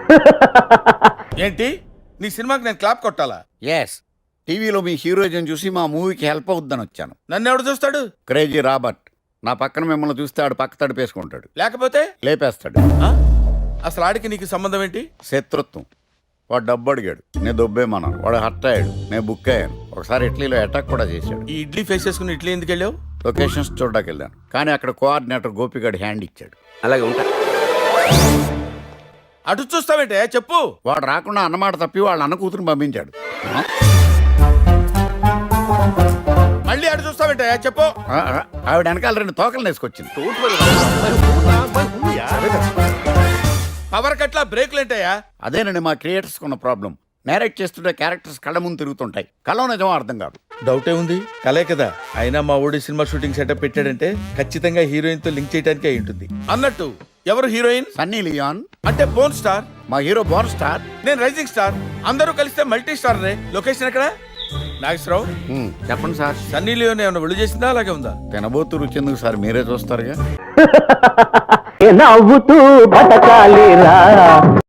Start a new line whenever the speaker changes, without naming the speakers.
ఏంటి నీ సినిమాకి నేను క్లాప్ కొట్టాలా?
ఎస్, టీవీలో మీ హీరోయిజం చూసి మా మూవీకి హెల్ప్ అవుద్దని వచ్చాను.
నన్ను ఎవడు చూస్తాడు?
క్రేజీ రాబర్ట్ నా పక్కన మిమ్మల్ని చూస్తే ఆడు పక్క తడిపేసుకుంటాడు,
లేకపోతే
లేపేస్తాడు.
ఆ? అసలు ఆడికి నీకు సంబంధం ఏంటి?
శత్రుత్వం. వాడు డబ్బు అడిగాడు, నేను దొబ్బేమన్నాను. వాడు హర్ట్ అయ్యాడు, నేను బుక్ అయ్యాను. ఒకసారి ఇటలీలో అటాక్ కూడా చేశాడు.
ఈ ఇడ్లీ ఫేస్ చేసుకుని ఇడ్లీ ఎందుకు వెళ్ళావు?
లొకేషన్స్ చూడడానికి వెళ్ళాను, కానీ అక్కడ కోఆర్డినేటర్ గోపిగాడు హ్యాండ్ ఇచ్చాడు.
అలాగే ఉంటా.
అటు చూస్తావేంటే చెప్పు.
వాడు రాకుండా అన్నమాట తప్పి వాళ్ళ అన్న కూతురుని పంపించాడు.
మళ్ళీ అటు చూస్తావేంటే చెప్పు.
ఆవిడ వెనకాల 2 తోకలు వేసుకొచ్చింది.
పవర్ కట్లా బ్రేక్లు ఏంటయ్యా?
అదేనండి మా క్రియేటర్స్ ఉన్న ప్రాబ్లం. నేరేట్ చేస్తుంటే క్యారెక్టర్స్ కళ్ళ ముందు తిరుగుతుంటాయి, కళ్ళ నిజమో అర్థం కాదు.
డౌటే ఉంది, కలే కదా. అయినా మా ఊడి సినిమా షూటింగ్ సెటప్ పెట్టాడంటే ఖచ్చితంగా హీరోయిన్ తో లింక్ చేయడానికి అయి ఉంటుంది. అన్నట్టు ఎవరు హీరోయిన్?
Sunny Leone.
అంటే బోన్ స్టార్.
మా హీరో బోర్ స్టార్,
నేను రైజింగ్ స్టార్. అందరూ కలిస్తే మల్టీ స్టార్ రే. లొకేషన్ ఎక్కడ? నాగేశ్వరరావు
చెప్పండి సార్.
సన్నీ లియోన్ ఏమైనా విడుదల చేసిందా అలాగే ఉందా?
తినబోతు రుచి ఎందుకు సార్, మీరే చూస్తారుగా.
నవ్వుతూ బతకాలిరా